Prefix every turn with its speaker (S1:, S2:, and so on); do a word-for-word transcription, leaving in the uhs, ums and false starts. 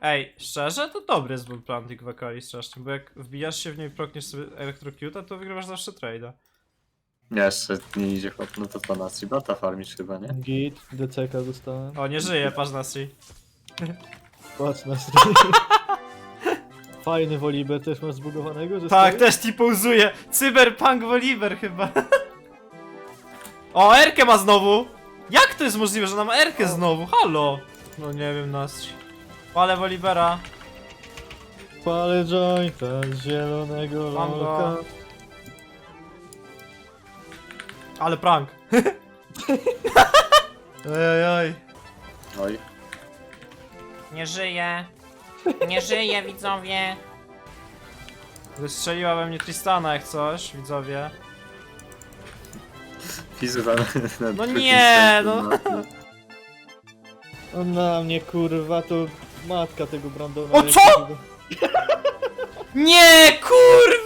S1: Ej, szczerze? To dobry jest bull planting w Akali strasznie, bo jak wbijasz się w niej i prokniesz sobie Electrocuta, to wygrywasz zawsze trade'a.
S2: Nie, jeszcze nie idzie chłop, no to to nas bata farmisz chyba, nie?
S3: Git, D C K dostałem.
S1: O, nie żyje, patrz na si.
S3: Patrz na stream. Fajny Volibear też masz zbugowanego, że
S1: Tak,
S3: stoi?
S1: też ci pauzuje. Cyberpunk Volibear chyba. O, Erkę ma znowu! Jak to jest możliwe, że nam Erkę znowu? Halo! No nie wiem, nas. Ale Volibera.
S3: Palę jointa z zielonego
S1: Mam go.
S3: loka.
S1: Ale prank. Ej, oj.
S2: Oj.
S4: Nie żyje. Nie żyje, widzowie.
S1: Wystrzeliła we mnie Tristana jak coś, widzowie.
S2: Fizywa na, na
S1: No
S2: drugim
S1: nie,
S2: sercu,
S1: no.
S3: On na mnie kurwa, to matka tego Brandona.
S1: O, co? Nie, kurwa!